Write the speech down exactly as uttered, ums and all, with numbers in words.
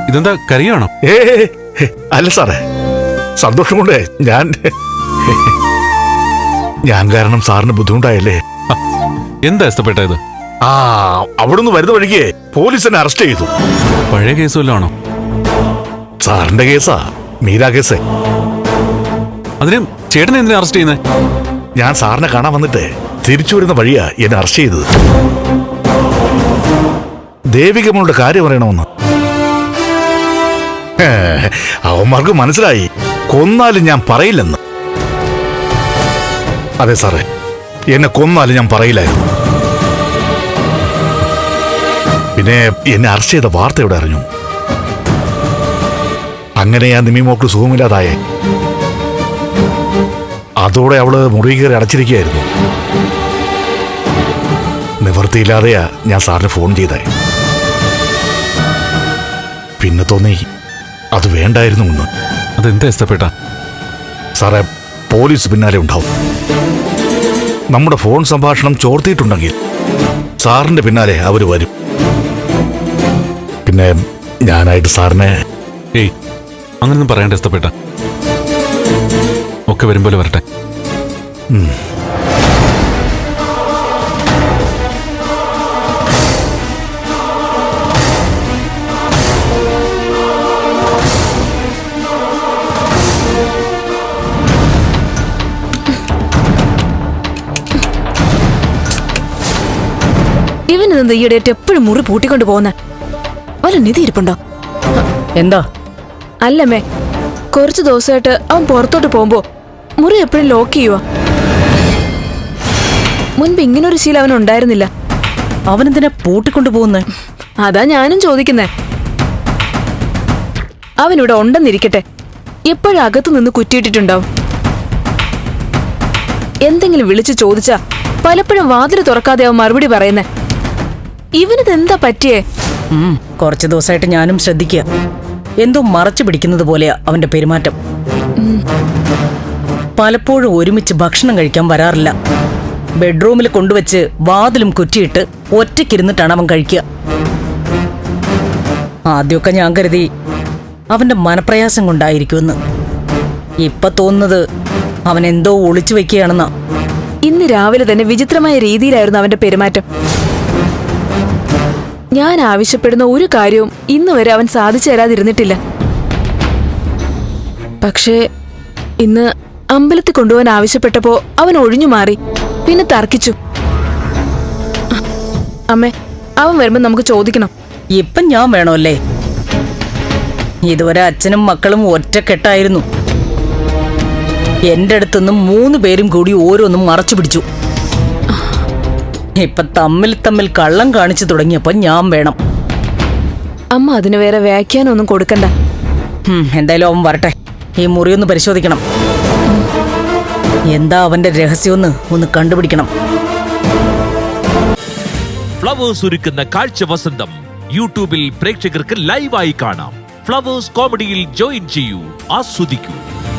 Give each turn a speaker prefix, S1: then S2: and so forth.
S1: ഇതെന്താ കരയാണോ?
S2: ഏ അല്ല സാറേ, സന്തോഷം കൊണ്ട് ഞാൻ ഞാൻ കാരണം സാറിന് ബുദ്ധിമുട്ടായല്ലേ.
S1: എന്താ ഇഷ്ടപ്പെട്ടത്?
S2: ആ അവിടുന്ന് വരുന്ന വഴിക്ക് പോലീസ് എന്നെ അറസ്റ്റ് ചെയ്തു.
S1: പഴയ കേസ് വല്ലതാണോ?
S2: സാറിന്റെ കേസാ, മീരാ കേസ്.
S1: അതിന് ചേട്ടൻ എന്തിനാ അറസ്റ്റ് ചെയ്യുന്നത്?
S2: ഞാൻ സാറിനെ കാണാൻ വന്നിട്ട് തിരിച്ചു വരുന്ന വഴിയാ എന്നെ അറസ്റ്റ് ചെയ്തത്. ദേവികമ്മളുടെ കാര്യം പറയണമെന്ന്. അവന്മാർക്ക് മനസ്സിലായി കൊന്നാലും ഞാൻ പറയില്ലെന്ന്. അതെ സാറേ, എന്നെ കൊന്നാലും ഞാൻ പറയില്ലായിരുന്നു. പിന്നെ എന്നെ അറസ്റ്റ് ചെയ്ത വാർത്ത എവിടെ അറിഞ്ഞു. അങ്ങനെ ഞാൻ നിമിമോക്ക് സുഖമില്ലാതായേ. അതോടെ അവള് മുറി കയറി അടച്ചിരിക്കുകയായിരുന്നു. നിവൃത്തിയില്ലാതെയാ ഞാൻ സാറിന് ഫോൺ ചെയ്തേ. പിന്നെ തോന്നി അത് വേണ്ടായിരുന്നു എന്ന്.
S1: അതെന്താ ഇഷ്ടപ്പെട്ട?
S2: സാറേ, പോലീസ് പിന്നാലെ ഉണ്ടാവും. നമ്മുടെ ഫോൺ സംഭാഷണം ചോർത്തിയിട്ടുണ്ടെങ്കിൽ സാറിന്റെ പിന്നാലെ അവര് വരും. പിന്നെ ഞാനായിട്ട് സാറിനെ...
S1: ഏയ്, അങ്ങനൊന്നും പറയേണ്ട ഇഷ്ടപ്പെട്ട. ഒക്കെ വരുമ്പോലെ വരട്ടെ.
S3: ഇവനെന്താ ഈയിടെ എപ്പോഴും മുറി പൂട്ടിക്കൊണ്ട് പോകുന്ന? വല്ല നിധി ഇരിപ്പുണ്ടോ?
S4: എന്താ?
S3: അല്ലമ്മേ, കുറച്ചു ദിവസമായിട്ട് അവൻ പുറത്തോട്ട് പോകുമ്പോ മുറി എപ്പോഴും ലോക്ക് ചെയ്യുക. മുൻപ് ഇങ്ങനൊരു ശീലം അവനുണ്ടായിരുന്നില്ല.
S4: അവനെന്തിനാ പൂട്ടിക്കൊണ്ടു പോകുന്നേ?
S3: അതാ ഞാനും ചോദിക്കുന്നേ. അവനിവിടെ ഉണ്ടെന്നിരിക്കട്ടെ, എപ്പോഴും അകത്തു നിന്ന് കുറ്റിയിട്ടിട്ടുണ്ടാവും. എന്തെങ്കിലും വിളിച്ചു ചോദിച്ചാ പലപ്പോഴും വാതില് തുറക്കാതെ അവൻ മറുപടി പറയുന്നേ. ഇവനിതെന്താ പറ്റിയേ?
S4: കുറച്ചു ദിവസമായിട്ട് ഞാനും ശ്രദ്ധിക്കുക. എന്തോ മറച്ചു പിടിക്കുന്നത് പോലെയാ അവന്റെ പെരുമാറ്റം. പലപ്പോഴും ഒരുമിച്ച് ഭക്ഷണം കഴിക്കാൻ വരാറില്ല. ബെഡ്റൂമിൽ കൊണ്ടുവച്ച് വാതിലും കുറ്റിയിട്ട് ഒറ്റയ്ക്കിരുന്നിട്ടാണ് അവൻ കഴിക്കുക. ആദ്യമൊക്കെ ഞാൻ കരുതി അവന്റെ മനപ്രയാസം കൊണ്ടായിരിക്കുമെന്ന്. ഇപ്പൊ തോന്നുന്നത് അവൻ എന്തോ ഒളിച്ചു വെക്കുകയാണെന്നാ.
S3: ഇന്ന് രാവിലെ തന്നെ വിചിത്രമായ രീതിയിലായിരുന്നു അവന്റെ പെരുമാറ്റം. ഞാൻ ആവശ്യപ്പെടുന്ന ഒരു കാര്യവും ഇന്ന് വരെ അവൻ സാധിച്ചു തരാതിരുന്നിട്ടില്ല. പക്ഷേ ഇന്ന് അമ്പലത്തിൽ കൊണ്ടുപോകാൻ ആവശ്യപ്പെട്ടപ്പോ അവൻ ഒഴിഞ്ഞു മാറി, പിന്നെ തർക്കിച്ചു. അമ്മേ, അവൻ വരുമ്പോ നമുക്ക് ചോദിക്കണം.
S4: ഇപ്പം ഞാൻ വേണമല്ലേ? ഇതുവരെ അച്ഛനും മക്കളും ഒറ്റക്കെട്ടായിരുന്നു. എന്റെ അടുത്തുനിന്നും മൂന്ന് പേരും കൂടി ഓരോന്നും മറച്ചു പിടിച്ചു. ഇപ്പൊ തമ്മിൽ തമ്മിൽ കള്ളം കാണിച്ചു തുടങ്ങിയപ്പോ ഞാൻ വേണം.
S3: അമ്മ അതിന് വേറെ വ്യാഖ്യാനമൊന്നും കൊടുക്കണ്ട.
S4: എന്തായാലും അവൻ വരട്ടെ, ഈ മുറിയൊന്ന് പരിശോധിക്കണം. എന്താ അവന്റെ രഹസ്യമെന്ന് ഒന്ന് കണ്ടുപിടിക്കണം.
S5: ഫ്ലവേഴ്സ് ഒരുക്കുന്ന കാഴ്ച വസന്തം യൂട്യൂബിൽ പ്രേക്ഷകർക്ക് ലൈവായി കാണാം. ഫ്ലവേഴ്സ് കോമഡിയിൽ ജോയിൻ ചെയ്യൂ, ആസ്വദിക്കൂ.